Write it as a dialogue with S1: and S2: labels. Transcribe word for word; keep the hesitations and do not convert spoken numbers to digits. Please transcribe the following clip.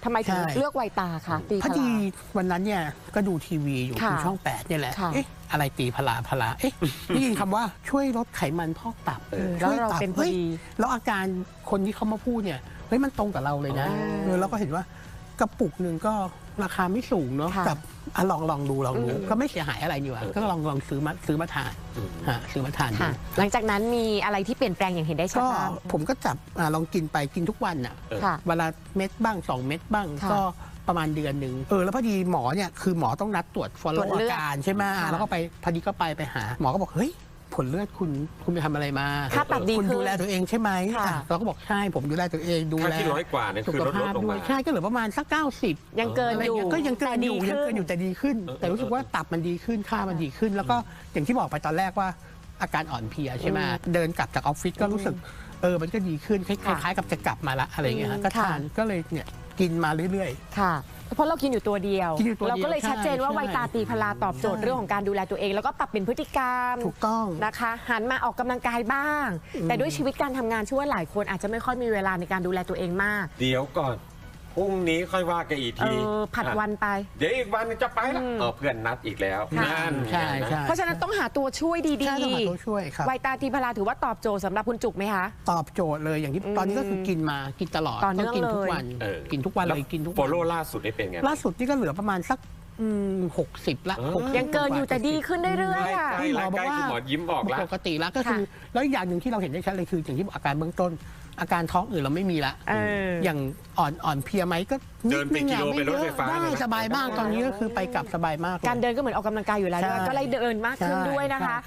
S1: ทำไมถึงเลือกไวตาคะตีพลาพอดี
S2: วันนั้นเนี่ยก็ดูทีวีอยู่ที่ช่องแปดเนี่ยแหละเอ๊ะอะไรตีพลาพลาเอ๊ะได้ยินคำว่าช่วยลดไขมันพอกตับ
S1: แล้วเราเป็นพอดี
S2: แล้วอาการคนที่เขามาพูดเนี่ยเฮ้ยมันตรงกับเราเลยนะแล้วก็เห็นว่ากระปุกหนึ่งก็ราคาไม่สูงเนาะกับลองลองดูลองดูก็ไม่เสียหายอะไรอยู่อ่ะก็ลองลองซื้อมาซื้อมาทานซื้อมาทานดู
S1: หลังจากนั้นมีอะไรที่เปลี่ยนแปลงอย่างเห็นได้ชัด
S2: ก็ผมก็จับลองกินไปกินทุกวันอ่ะเวลาเม็ดบ้างสองเม็ดบ้างก็ประมาณเดือนหนึ่งเออแล้วพอดีหมอเนี่ยคือหมอต้องนัดตรวจฟอลโล่อาการใช่ไหมแล้วก็ไปพอดีก็ไปไปหาหมอก็บอกเฮ้ยผลเลือดคุณคุณไปทำอะไรมา
S1: ค่าตับดี
S2: คุณดูแลตัวเองใช่ไหมเราก็บอกใช่ผมดูแลตัวเองดูแล
S3: ที่ร้อยกว่าเนี่ยคือลดลงมา
S2: ใช่ก็เหลือประมาณสักเก้าสิบ
S1: ยังเกินอยู่
S2: ก็ยังเกินอยู่ยังเกินอยู่แต่ดีขึ้นแต่รู้สึกว่าตับมันดีขึ้นค่ามันดีขึ้นแล้วก็อย่างที่บอกไปตอนแรกว่าอาการอ่อนเพลียใช่ไหมเดินกลับจากออฟฟิศก็รู้สึกเออมันก็ดีขึ้นคล้ายๆกับจะกลับมาละอะไรอย่างเงี้ยก็ทานก็เลยเนี่ยกินมาเรื่อย
S1: ๆค่ะเพราะเรากินอยู่ตัวเดียวเราก็เลยชัดเจนว่าไวตาตีพลาตอบโจทย์เรื่องของการดูแลตัวเองแล้วก็ปรับเป็นพฤติกรรม
S2: ถูกต้อง
S1: นะคะหันมาออกกำลังกายบ้างแต่ด้วยชีวิตการทำงานช่วยหลายคนอาจจะไม่ค่อยมีเวลาในการดูแลตัวเองมาก
S3: เดี๋ยวก่อนพรุ่งนี้ค่อยว่ากันอีกที
S1: ผัดวันไป
S3: เดี๋ยวอีกวันจะไปละเออเพื่อนนัดอีกแล้วนั่น
S2: ใช่ใช่
S1: เพราะฉะนั้นต้องหาตัวช่วยดี
S2: ๆตัวช่วยครับ
S1: ไวตาตีพลาถือว่าตอบโจทย์สำหรับคุณจุกไหมคะ
S2: ตอบโจทย์เลยอย่างที่ตอนนี้ก็คือกินมากินตลอดต้องกินทุกวันกินทุกวันเลยกินทุกวัน
S3: โฟโล่ล่าสุดได้เป็นไง
S2: ล่าสุดนี่ก็เหลือประมาณสักหกสิบละ
S1: ยังเกินอยู่แต่ดีขึ้นเรื่อยๆค่ะ
S3: ที่หมอบอกว่าหมอยิ้มบอกแล้ว
S2: ปกติแล้วก็คือแล้วอย่างหนึ่งที่เราเห็นได้ชัดเลยคืออย่างที่อาการเบื้องต้นอาการท้องอืดเราไม่มีละอย่างอ่อนอ่อนเพียไหมก็
S3: เดินเป็นกิโลเป็นรถไฟฟ้า
S2: ได้สบายมากตอนนี้ก็คือไปกลับสบายมาก
S1: การเดินก็เหมือนออกกำลังกายอยู่แล้วก็เลยเดินมากขึ้นด้วยนะคะ